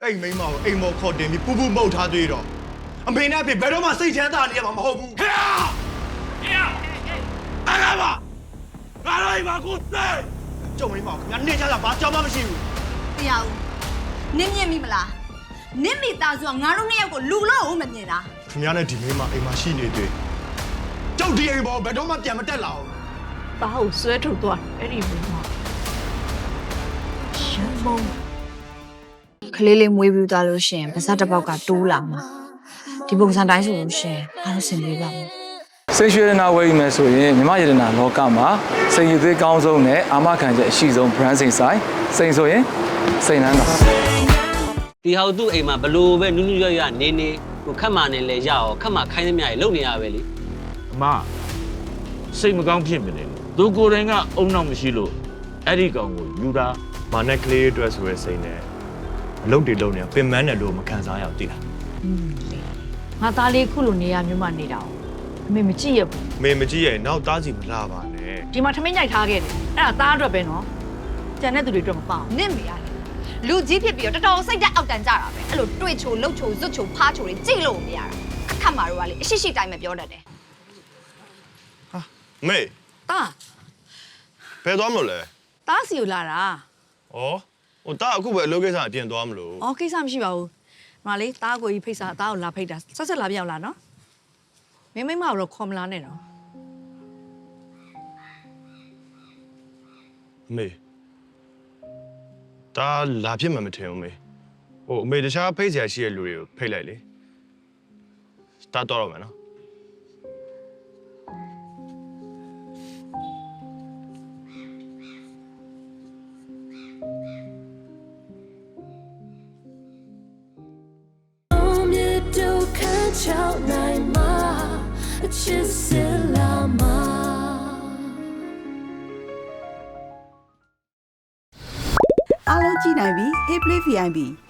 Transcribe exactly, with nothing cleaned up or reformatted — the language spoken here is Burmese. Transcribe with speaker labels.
Speaker 1: အဲ့မိန်းမကိုအိမ်မော်ခေါ်တင်ပြီးပူပူမှုတ်ထားသေးတော့အမေနဲ့အဖေဘယ်တော့မှစိတ်ချမ်းသာနေရမှာမဟုတ်ဘူးဟဲ့ဟဲ့အားလာပါငါတို့အိမ်မှာကိုစိတ်ကျုံမိန်းမကိုခင်ဗျာနေကြတာဘာကြောင်မှမရှိဘူး
Speaker 2: တရားဦးနင်းမြင်မိမလားနင်းမိသားစုကငါတို့နှစ်ယောက်ကိုလူလို့မမြင်လား
Speaker 1: ခင်ဗျားနဲ့ဒီမိန်းမအိမ်မှာရှိနေသေးကြောက်ဒီအိမ်ပေါ်ဘယ်တော့မှပြန်မတက်လာဘူး
Speaker 3: ဘာလို့ဆွဲထုတ်သွားအဲ့ဒီမိန်းမရှမ်းမုံ
Speaker 4: ကလေးလေးမွေးပြီးသွားလို့ရှင်ပါစတစ်ပေါက်ကတိုးလာမှာဒီပုံစံတိုင်းဆိုလို့ရှင်အားလုံးဆင်ပြေပါမယ်
Speaker 5: စိတ်ရွှေရနာဝယ်ယူမယ်ဆိုရင်မြမရတနာလောကမှာစိတ်ရည်သေးကောင်းဆုံးနဲ့အာမခံချက်အရှိဆုံး brand စိန်ဆိုင်စိန်ဆိုရင်စိန်နန်းတော်
Speaker 6: ဒီဟောက်သူ့အိမ်မှာဘလို့ပဲနူးနူးရွရွနေနေကိုခတ်မာနေလဲရအောင်ခတ်မာခိုင်းသမျှကြီးလုံနေရပဲလေ
Speaker 7: အမစိတ်မကောင်းဖြစ်မနေသူကိုယ်တိုင်ကအုံနောက်မရှိလို့အဲ့ဒီကောင်ကိုယူတာမာနဲ့ကလေးအတွက်ဆိုရဲစိတ်နဲ့အလုပ်တွေလုပ်နေပင်မန်းတယ်လို့မခံစားရအောင်သိလား
Speaker 3: ငါသားလေးခုလိုနေရမျိုးမှနေတာအမေမကြည့်ရဘူး
Speaker 1: မေမကြည့်ရဲ့နောက်သားစီမလာပါနဲ့
Speaker 3: ဒီမှာထမင်းညိုက်ထားခဲ့တယ်အဲ့ဒါသားအတွက်ပဲနော်ကျန်တဲ့သူတွေအတွက်မပေါ့
Speaker 2: နင့်မေရတယ်လူကြီးဖြစ်ပြီးတော့တော်တော်စိတ်တက်အောက်တန်ကြတာပဲအဲ့လိုတွေ့ချိုလှုပ်ချိုဇွတ်ချိုဖားချိုတွေကြိတ်လို့မရတာအခက်မှာတော့ကလေအရှိရှိတိုင်းပဲပြောတတ်တယ်
Speaker 1: ဟာမေ
Speaker 3: တာ
Speaker 1: ဘယ်သွားမလို့လဲ
Speaker 3: တားစီကိုလာတာ
Speaker 1: ဩဟိုတာအခုပဲအလုပ်ကိစ္စအပြင်သွားမလို့
Speaker 3: ဩကိစ္စမရှိပါဘူးမလေးတားကိုကြီးဖိတ်စာတားကိုလာဖိတ်တာဆက်ဆက်လာပြောင်းလာနော်မင်းမိမကတော့ခေါ်မလာနဲ့တော့
Speaker 1: မေဒါလာဖြစ်မှမထင်ဘူးမေဟိုအမေတခြားဖိတ်စရာရှိတဲ့လူတွေကိုဖိတ်လိုက်လေတာတော့တော့မယ်နော်
Speaker 8: အားလုံးကြည့်နိုင်ပြီ Hey Play ဗီ အိုင် ပီ